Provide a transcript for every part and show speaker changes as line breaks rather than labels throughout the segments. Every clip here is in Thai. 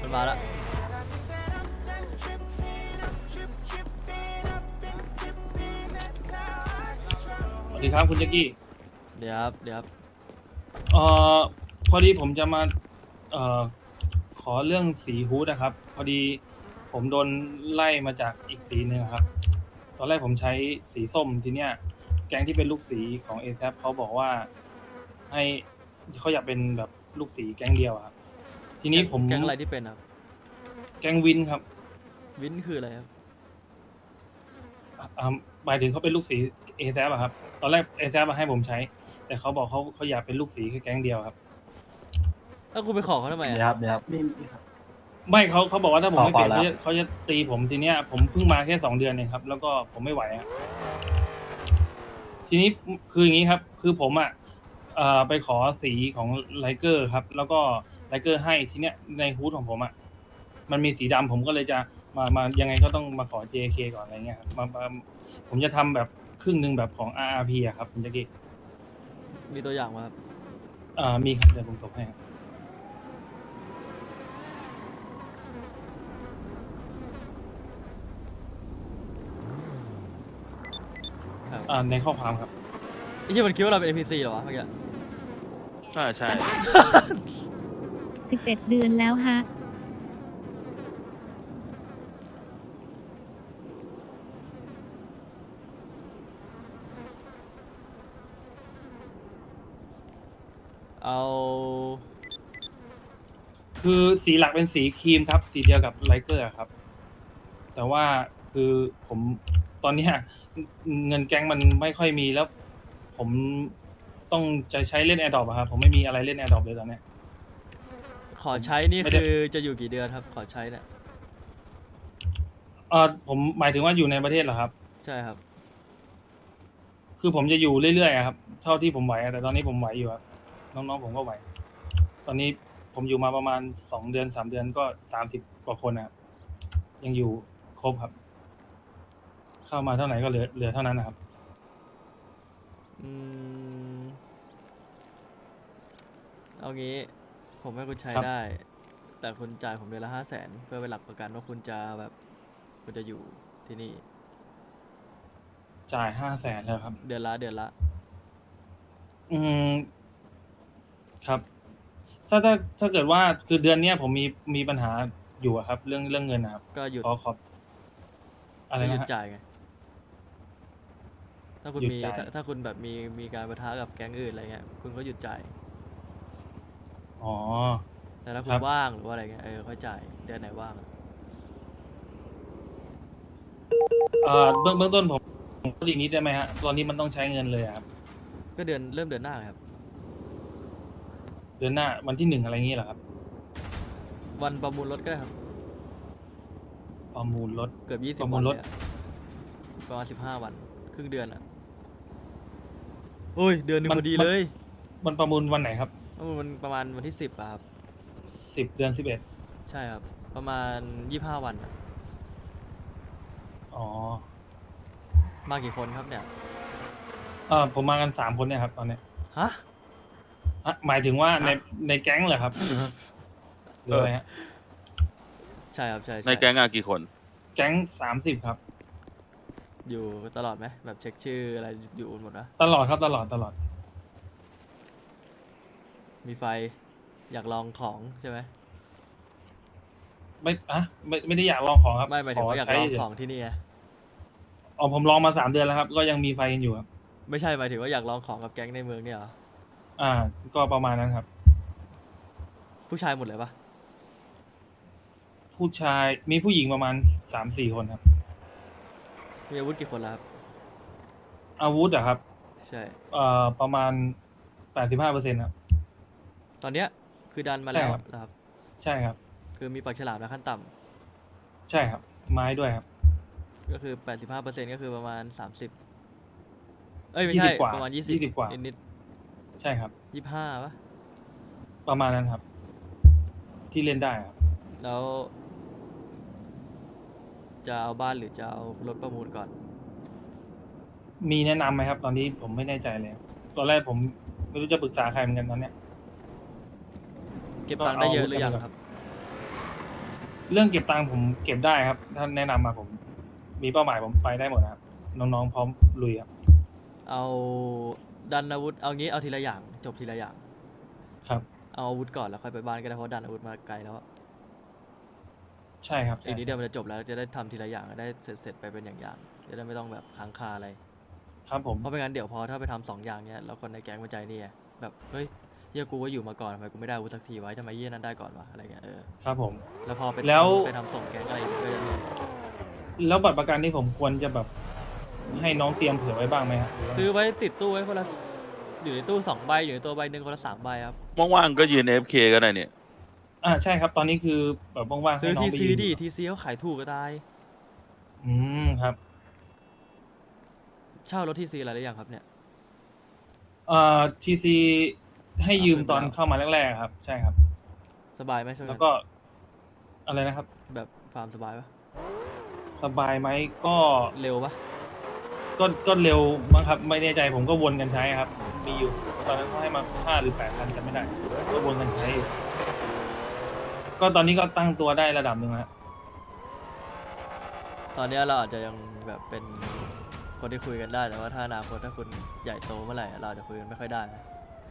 มันมาแล้ว
สวัสดีครับคุณแจ็กกี้
เดี๋ยวครับเดี๋ยวครับ
เอ่อพอดีผมจะมาเอ่อขอเรื่องสีฮูดนะครับพอดีผมโดนไล่มาจากอีกสีหนึ่งครับตอนแรกผมใช้สีส้มทีเนี้ยแก๊งที่เป็นลูกสีของ ASAP เขาบอกว่าให้เขาอยากเป็นแบบลูกสีแก๊งเดียวอะครับทีนี้ผม
แก๊งอะไรที่เป็นครับ
แก๊งวินครับ
วินคืออะไรครับ
หมายถึงเขาเป็นลูกสี ASAP อะครับตอนแรก ASAP มาให้ผมใช้ แต่เขาบอกเขาอยากเป็นลูกสีแค่แก๊งเดียวครับ
แล้วคุณไปขอเขาทำไม
เดี๋ยว
อ่ะ
ครับเดี๋ยวครับ
ไม่เขาบอกว่าถ้าผมไม่เปลี่ยน
เปล่าๆ
เขาจะตีผมทีเนี้ยผมเพิ่งมาแค่2 เดือนเองครับ แล้วก็ผมไม่ไหวอะทีนี้คืออย่างนี้ครับ คือผมอ่ะไปขอสีของไลเกอร์ครับ แล้วก็ไลเกอร์ให้ทีเนี้ยในฮูดของผมอ่ะมันมีสีดำผมก็เลยจะมายังไงก็ต้องมาขอ JK ก่อนอะไรเงี้ยครับผมจะทำแบบครึ่งหนึ่งแบบของ RRP อะครับคุณแจ็คกี้
มีตัวอย่างมาครับ
มีครับเดี๋ยวผมส่งให้ครับ
ครับ
ในข้อความครับ
ไอ้ที่มันคิดว่าเราเป็น NPC เหรอวะเมื่อกี้
ใช่ใช่
11 เดือนแล้วฮะ
เอา
คือสีหลักเป็นสีครีมครับ สีเดียวกับไลเกอร์ครับ แต่ว่าคือผมตอนเนี้ยเงินแก๊งมันไม่ค่อยมีแล้ว ผมต้องจะใช้เล่นแอร์ดรอปครับผมไม่มีอะไรเล่นแอร์ดรอปเลยตอนเนี้ย
ขอใช้นี่
ไม่ได้
คือจะอยู่กี่เดือนครับ ขอใช้เนี่ย
ผมหมายถึงว่าอยู่ในประเทศเหรอครับ
ใช่ครับ
คือผมจะอยู่เรื่อยๆอะครับ เท่าที่ผมไหวอะแต่ตอนนี้ผมไหวอยู่ครับน้องๆผมก็ไหว ตอนนี้ผมอยู่มาประมาณ2 เดือน 3 เดือนก็30 กว่าคนนะครับยังอยู่ครบครับ เข้ามาเท่าไหร่ก็เหลือเท่านั้นนะครับ
อืม เอางี้ ผมให้คุณใช้
ครับ
ได้ แต่คุณจ่ายผมเดือนละ500,000เพื่อเป็นหลักประกันว่าคุณจะแบบ คุณจะอยู่ที่นี่
จ่าย500,000แล้วครับ
เดือนละ
อืมครับ ถ้าเกิดว่าคือเดือนเนี้ยผมมีปัญหาอยู่อะครับ เรื่องเงินนะครับ
ก็หยุด
ขออะไร
ก็ห
นะ
ยุด
ฮะ
จ่ายไง ถ้าคุณ
หยุด
มี
จ่าย
ถ้าคุณแบบมีการปะทะกับแก๊งอื่นอะไรเงี้ย คุณก็หยุดจ่าย
อ๋อ
แต่ถ้าคุ
ครั
ณ
บ
ว่างหรือว่าอะไรเงี้ยค่อยจ่ายเดือนไหนว่างอะ
เบื้องต้นผมก็ดีนิดได้ไหมฮะตอนนี้มันต้องใช้เงินเลยอะครับ
ก็เริ่มเดือนหน้าเลยครับ
เดือนหน้าวันที่1อะไรอย่างงี้เหรอครับ
วันประมูลรถก็ได้ครับ
ประมูลรถ
เกือบ20
ประมู
วั
ล
น
ร
เล
ถ
ยอะประมาณ15 วัน ครึ่งเดือนอ่ะโอ้ย เดือนหนึ่ง
มัน
พอดี
มัน
เลย
มันประมูลวันไหนครับ
มันประมาณวันที่10อะครับ
10 เดือน 11
ใช่ครับ ประมาณ25 วันอะ
อ๋อ
มากี่คนครับเนี่ย
ผมมากัน3 คนเนี่ยครับตอนเนี้ย
ฮะ
หมายถึงว่าในแก๊งเหรอครับหรืออะไรฮะ
ใช่ครับ ใช่
ในแก๊งอะกี่คน
แก๊ง30ครับ
อยู่ตลอดไหมแบบเช็คชื่ออะไรอยู่หมดนะ
ตลอดครับตลอด
มีไฟอยากลองของใช่ไหม
ไม่ได้อยากลองของครับ
ไม่หมายถึงว่าอยาก
ใช้
ลอง
เฉย
ของที่นี่ไง
อ๋อผมลองมา3 เดือนแล้วครับ ก็ยังมีไฟกันอยู่ครับ
ไม่ใช่หมายถึงว่าอยากลองของกับแก๊งในเมืองเนี่ยเหรอ
ก็ประมาณนั้นครับ
ผู้ชายหมดเลยปะ
ผู้ชายมีผู้หญิงประมาณ3-4 คนครับ
มีอาวุธกี่คนแล้วครับ
อาวุธอะครับ
ใช่
ประมาณ85%ครับ
ตอนเนี้ยคือดันมา
ใช่
แล้ว
ครับ
นะครับ
ใช่ครับ
คือมีปากฉลามนะขั้นต่ำ
ใช่ครับ ไม้ด้วยครับ
ก็คือ 85%ก็คือประมาณ 30 เอ้ย ไม่ใช่
20 กว่า
ประมาณ
20 กว่า
นิด
ใช่ครับ
ๆ25ปะ
ประมาณนั้นครับ ที่เล่นได้ครับ
แล้ว จะเอาบ้านหรือจะเอารถประมูลก่อน
มีแนะนำไหมครับ ตอนนี้ผมไม่แน่ใจเลย ตอนแรกผมไม่รู้จะปรึกษาใครเหมือนกันตอนเนี้ย
เก็บตังค์ได้เยอะหรือยัง
ก็เอา
ครับ
เรื่องเก็บตังค์ผมเก็บได้ครับท่านแนะนำมาผมมีเป้าหมายผมไปได้หมดนะครับน้องๆพร้อมลุยครับ
เอาดันอาวุธเอางี้เอาทีละอย่างจบทีละอย่าง
ครับ
เอาอาวุธก่อนแล้วค่อยไปบ้านก็ได้เพราะดันอาวุธมาไกลแล้วอะ
ใช่ครับ
อี
ใช่
กนิดเดียวมันจะจบแล้วจะได้ทำทีละอย่างได้เสร็จไปเป็นอย่างๆจะได้ไม่ต้องแบบค้างคาอะไร
ครับผม
เพราะไม่งั้นเดี๋ยวพอถ้าไปทำสองอย่างเนี้ยแล้วคนในแก๊งมันใจนี่ไงแบบเฮ้ยเฮียกูว่าอยู่มาก่อนทำไมกูไม่ได้อาวุธสักทีไวะทำไมเฮียนั้นได้ก่อนวะอะไรเงี้ย
ครับผม
แล้วพอไป
แล้ว
ไปทำส่งแก๊งอะไรอีกก็จะเหนื่อย
แล้วบัตรประกันที่ผมควรจะแบบให้น้องเตรียมเผื่อไว้บ้างไหมครับหรืว่า
ซื้อไว้ติดตู้ไว้คนละอยู่ในตู้2 ใบอยู่ในตัวใบหนึ่งคนละ3 ใบครับ
ว่างๆก็ยืน AFK ก็ได้เนี่ย
ใช่ครับ ตอนนี้คือแบบว่างๆ
ซื้
ให้
อ
น้อง
ที
ไป
ซี
ยืน
ดิทีซีเขาขายถูกก็ตาย
ครับ
เช่ารถทีซีอะไรหรือยังครับเนี่ย
ทีซีให้ยืมตอนเข้ามาแรกๆครับ ใช่ครับ
สบายไหมช่วง
แล้
นั้
วน ก็อะไรนะครับ
แบบฟาร์มสบายปะ
สบายไหมก็
เร็วปะ
ก็เร็วมั้งครับ ไม่แน่ใจผมก็วนกันใช้ครับ มีอยู่ตอนนั้นเขาให้มา5 หรือ 8 พันจำไม่ได้ ก็วนกันใช้อยู่ก็ตอนนี้ก็ตั้งตัวได้ระดับหนึ่งแล้ว
ตอนเนี้ยเราอาจจะยังแบบเป็นคนที่คุยกันได้แต่ว่าถ้าอนาคตถ้าคุณใหญ่โตเมื่อไหร่เราอาจจะคุยกันไม่ค่อยได้นะ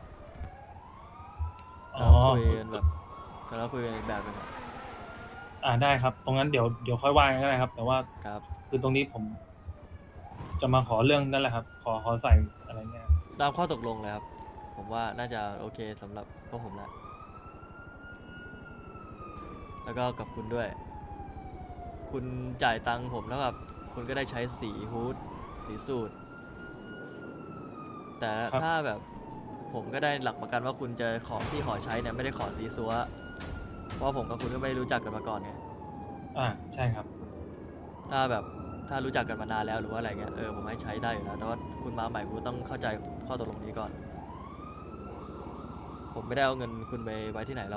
อ๋อ
เราคุยกันแบบเราคุยกันอีกแบบหนึงอะ
ได้ครับ ตรงนั้นเดี๋ยวค่อยว่ากันก็ได้ครับ แต่ว่า
ครับ
คือตรงนี้ผมจะมาขอเรื่องนั่นแหละครับ ขอใส่อะไรเนี่ย
ตามข้อตกลงเลยครับ ผมว่าน่าจะโอเคสำหรับพวกผมแล้วแล้วก็กับคุณด้วย คุณจ่ายตังค์ผมแล้วกับคุณก็ได้ใช้สีฮูดสีสูตร แต่
ครับ
ถ้าแบบผมก็ได้หลักประกันว่าคุณจะของที่ขอใช้เนี่ยไม่ได้ขอสีซัวเพราะว่าผมกับคุณก็ไม่ได้รู้จักกันมาก่อนไง
ใช่ครับ
ถ้าแบบถ้ารู้จักกันมานานแล้วหรือว่าอะไรเงี้ยผมให้ใช้ได้อยู่แล้วแต่ว่าคุณมาใหม่คุณต้องเข้าใจข้อตกลงนี้ก่อน ผมไม่ได้เอาเงินคุณไปไว้ที่ไหนหรอก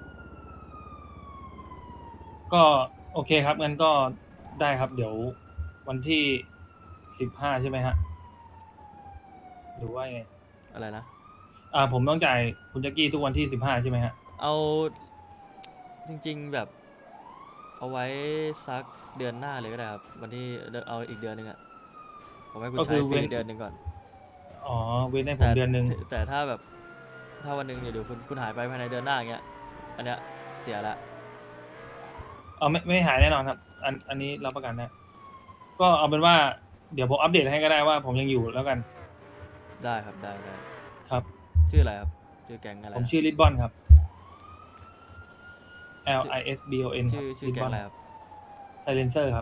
ก็โอเคครับงั้นก็ได้ครับ เดี๋ยววันที่15ใช่ไหมฮะ หรือว่าไง
อะไรนะ
ผมต้องจ่ายคุณแจ็กกี้ทุกวันที่15ใช่ไหมฮะ
เอาจริงๆแบบเอาไว้สักเดือนหน้าเลยก็ได้ครับวันที่เอาอีกเดือนหนึงอะผมให้คุณ
ก็คื
ใช้
อ
ฟ
เว้
รี
น
เดือนหนึ่งก่อน
อ๋อเว้นให้ผ
แต่
มเดือนหนึ่ง
แต่ถ้าแบบถ้าวันหนึ่งเดี๋ยวคุณหายไปภายในเดือนหน้าอย่างเงี้ยอันเนี้ยเสียละ
ไม่หายแน่นอนครับ อันนี้รับประกันนะ ก็เอาเป็นว่าเดี๋ยวผมอัปเดตให้ก็ได้ว่าผมยังอยู่แล้วกัน
ได้ครับได้
ครับ
ชื่ออะไรครับชื่อแก๊งอะไร
ผมชื่อลิทบอนครับ LISBON
ชื่อแก๊งอะไรครับ
ไซเลนเซอร์ครับ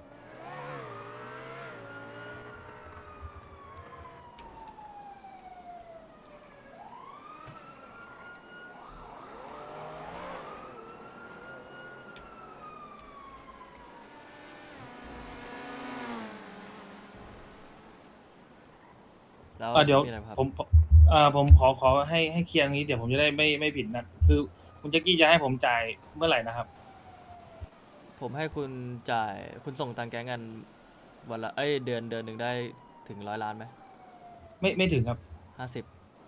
แล้ว
เดี๋ยว
มีอะไรครับ
ผมขอให้เคลียร์อย่างนี้เดี๋ยวผมจะได้ไม่ผิดนะคือคุณแจ็กกี้จะให้ผมจ่ายเมื่อไหร่นะครับ
ผมให้คุณจ่ายคุณส่งตังแก๊งกันวันละเดือนหนึ่งได้ถึง100 ล้านไหม
ไม่ถึงครับ
50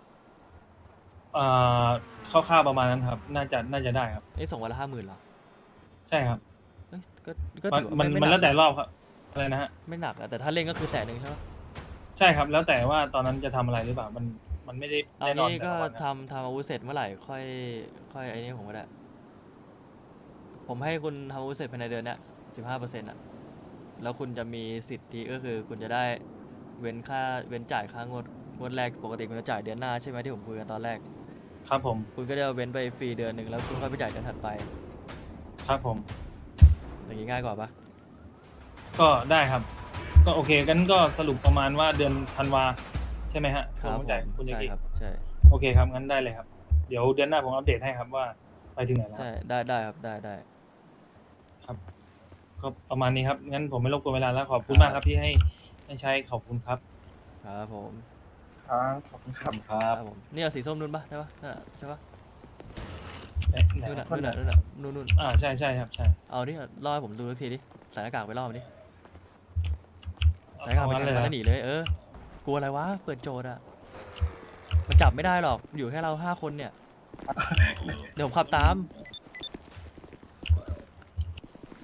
คร่าวๆประมาณนั้นครับ น่าจะได้ครับ
นี่ส่งวันละ 50,000เหรอ
ใช่ครับ
เอ้ยก็
มัน
ถือว่า
มัน
ไม่
มัน
ห
แล้ว
นั
แต่
ก
รอบครับ อะไรนะฮะ
ไม่หนักอะแต่ถ้าเล่นก็คือ100,000ใช่ไหม
ใช่ครับ แล้วแต่ว่าตอนนั้นจะทำอะไรหรือเปล่า มันไม่ได้
เอา
แน่นอน
งี้
แต่
ก็
ละวันนะ
ทำอาวุธเสร็จเมื่อไหร่ค่อยไอ้นี่ผมก็ได้ ผมให้คุณทำอาวุธเสร็จภายในเดือนเนี้ย15%อะแล้วคุณจะมีสิทธิก็คือคุณจะได้เว้นจ่ายค่างวดแรกปกติคุณจะจ่ายเดือนหน้าใช่ไหมที่ผมคุยกันตอนแรก
ครับผม
คุณก็จะเว้นไปฟรีเดือนหนึ่งแล้วคุณค่อยไปจ่ายเดือนถัดไป
ครับผม
อย่างนี้ง่ายกว่าปะ
ก็ได้ครับ ก็โอเคกันก็สรุปประมาณว่าเดือนธันวาใช่ไหมฮะ
ครับ
ผมต้องจ่าย
ผม
คุณแจ็ก
ใช่
กี้
ครับใช่
โอเคครับ งั้นได้เลยครับ เดี๋ยวเดือนหน้าผมอัปเดตให้ครับว่าไปถึงไหนแล้ว
ใช่ได้ครับได้
ครับ ก็ประมาณนี้ครับ งั้นผมไม่รบกวนเวลาแล้วขอบคุณ
ครับ
มากครับที่ให้ใช้ขอบคุณครับ
ครับผม
ครับขอบคุณครับครับ
ผมนี่เอาสีส้มนู่นปะได้ปะนั่นอะใช่ปะ
ไหน
นู่นน่ะ
คนไหน
นู่น
ใช่ครับใช่
เอาดิล่อให้ผมดูสักทีดิใส่หน้ากากไปล่อมันดิใส่หน้ากากไป
งั้น
แท
เลย
งมัน
นะ
แล้วหนีเลยกลัวอะไรวะเปิดโจทย์อะมันจับไม่ได้หรอกอยู่แค่เรา5 คนเนี่ย เดี๋ยวผมขับตาม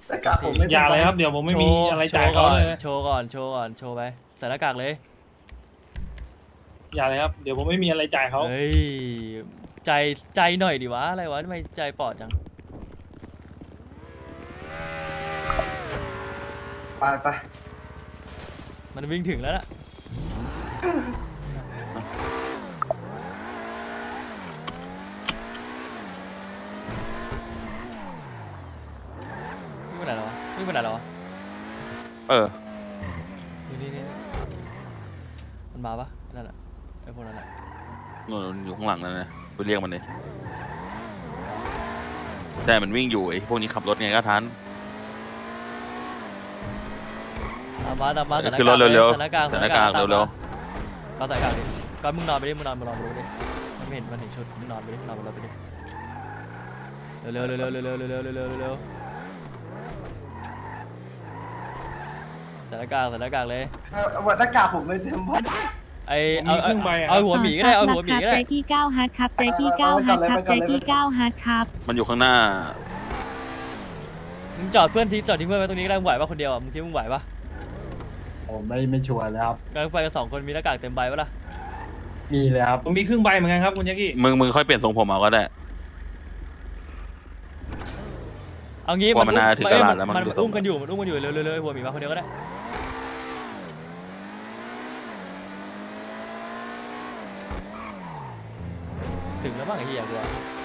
แต่กากผมไม่
อย่าเลยครับเดี๋ยวผมไม่มีอะไรจ่ายเขาเลย
โชว์ก่อนโชว์ก่อนโชว์ไปใส่หน้ากากเลย
อย่าเลยครับเดี๋ยวผมไม่มีอะไรจ่ายเขา
เฮ้ยใจหน่อยดิวะอะไรวะทำไมใจปอดจัง
ไป
มันวิ่งถึงแล้วน่ะวิ่งไปไหนแล้ววะวิ่งไปไหนแล้ววะ
เออ
นี่มันมาปะนั่นแหละไอ้พวกนั้นแหละ
นู่นอยู่ข้างหลังนั่นนะไปเรียกมันเลยแต่มันวิ่งอยู่ไอ้พวกนี้ขับรถไงก็ทัน
ตามมาใส่หน้า
ขึ้นร
กา
ถ
ก
เร็วๆ
ใส่หน้ากาก
ใส่หน้ากาก
ตมม
เร็ว
ก็ใส่หน้ากากดิก็มึงนอนไปดิมึงนอนไปดิมันไม่เห็นมันเห็นชุดมึงนอนไปดินอนบนรถไปดิเร็วใส่หน้ากากเลย
วันหน้ากากผมเลยเต็มบ้าน
ไอ
ผมมีครึ่งใบอะ
เอาหัวหมีก็ได้เอาหัวหมีก็ได้
ใจที่9ฮัทครับใจที่9ฮัทครับใจที่9ฮัทครับ
มันอยู่ข้างหน้า
มึงจอดเพื่อนทิ้งเพื่อนไว้ตรงนี้ก็ได้มึงไหวปะคนเดียวอ่ะมึงคิดว่ามึงไหวปะ
ผมไม่ชัวร์เลยครับ
งั้นไปกัน2 คนมีหน้ากากเต็มใบปะล่ะ
มีเลยครับ
ผมมีครึ่งใบเหมือนกันครับคุณยักษ์กี้
มึงค่อยเปลี่ยนทรงผมเอาก็ได้
เอางี้
ว่ามันน่าถึงตลาดแล้วมัน
มัน
ดูทรง
อุ้มกันอยู่เร็วหัวหมีมาคนเดียวก็ได้ถึงแล้วบ้างไอ้เหี้ยกู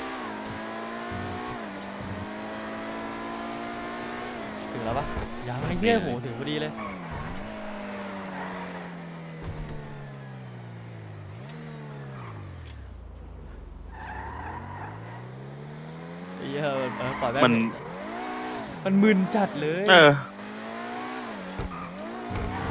ถึงแล้วปะยังไอ้เหี้ยโหถึงพอดีเลยไอ้เหี้ยปล่อยแม่ง มันมึนจัดเลย
เออ